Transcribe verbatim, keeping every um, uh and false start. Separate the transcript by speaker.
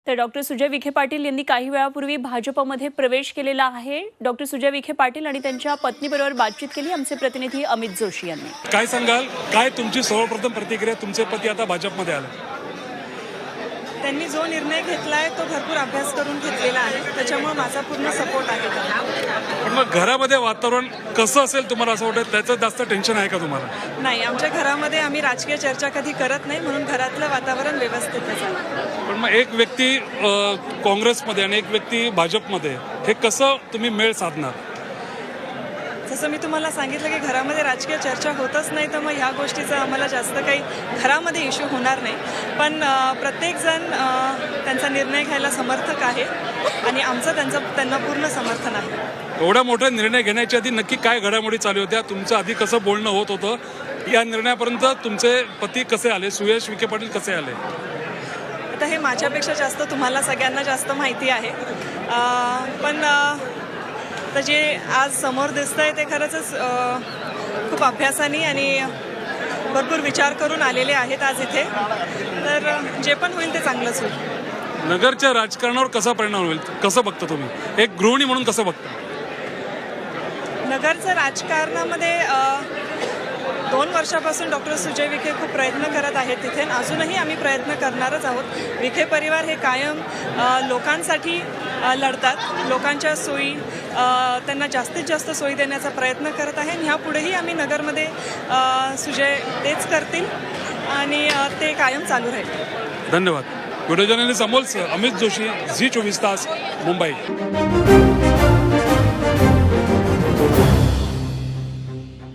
Speaker 1: तर डॉक्टर सुजय विखे पाटील यांनी काही वेळापूर्वी भाजपमध्ये प्रवेश केलेला आहे। डॉक्टर सुजय विखे पाटील आणि त्यांच्या पत्नीबरोबर बातचीत केली आमचे प्रतिनिधी अमित जोशी यांनी।
Speaker 2: काय सांगाल, काय तुमची सर्वप्रथम प्रतिक्रिया? तुमचे पती आता भाजपमध्ये आले,
Speaker 3: त्यांनी जो निर्णय घेतलाय तो भरपूर अभ्यास करून घेतलेला आहे, त्याच्यामुळे माझा पूर्ण सपोर्ट आहे त्यांना।
Speaker 2: पण मग घरामध्ये वातावरण कसं असेल तुम्हाला असं वाटतं? त्याचं जास्त टेन्शन आहे का तुम्हाला?
Speaker 3: नाही, आमच्या घरामध्ये आम्ही राजकीय चर्चा कधी करत नाही, म्हणून घरातलं वातावरण व्यवस्थित आहे।
Speaker 2: पण मग एक व्यक्ती काँग्रेसमध्ये आणि एक व्यक्ती भाजपमध्ये, हे कसं तुम्ही मेळ साधणार?
Speaker 3: जसं मी तुम्हाला सांगितलं की घरामध्ये राजकीय चर्चा होतच नाही, तर मग ह्या गोष्टीचा आम्हाला जास्त काही घरामध्ये इश्यू होणार नाही। पण प्रत्येकजण त्यांचा निर्णय घ्यायला समर्थक आहे आणि आमचं त्यांचं त्यांना पूर्ण समर्थन आहे।
Speaker 2: एवढा मोठा निर्णय घेण्याच्या आधी नक्की काय घडामोडी चालू होत्या? तुमचं आधी कसं बोलणं होत होतं? या निर्णयापर्यंत तुमचे पती कसे आले, सुयश विखे पाटील कसे आले?
Speaker 3: आता हे माझ्यापेक्षा जास्त तुम्हाला सगळ्यांना जास्त माहिती आहे, पण तर जे आज समोर दिसतंय ते खरंच खूप अभ्यासाने आणि भरपूर विचार करून आलेले आहेत आज इथे। तर जे पण होईल ते चांगलंच होईल।
Speaker 2: नगरच्या राजकारणावर कसा परिणाम होईल, कसं बघता तुम्ही? एक गृहिणी म्हणून कसं बघता?
Speaker 3: नगरचं राजकारणामध्ये दोन वर्षापासून डॉक्टर सुजय विखे खूप प्रयत्न करत आहेत तिथे, अजूनही आम्ही प्रयत्न करणारच आहोत। विखे परिवार हे कायम लोकांसाठी लढतात, लोकांच्या सोयी त्यांना जास्तीत जास्त सोयी देण्याचा प्रयत्न करत आहे आणि ह्यापुढेही आम्ही नगरमध्ये सुजय तेच करतील आणि ते कायम चालू राहील।
Speaker 2: धन्यवाद। Video journalist Amol Amit Joshi, Zee Chovis Taas, Mumbai.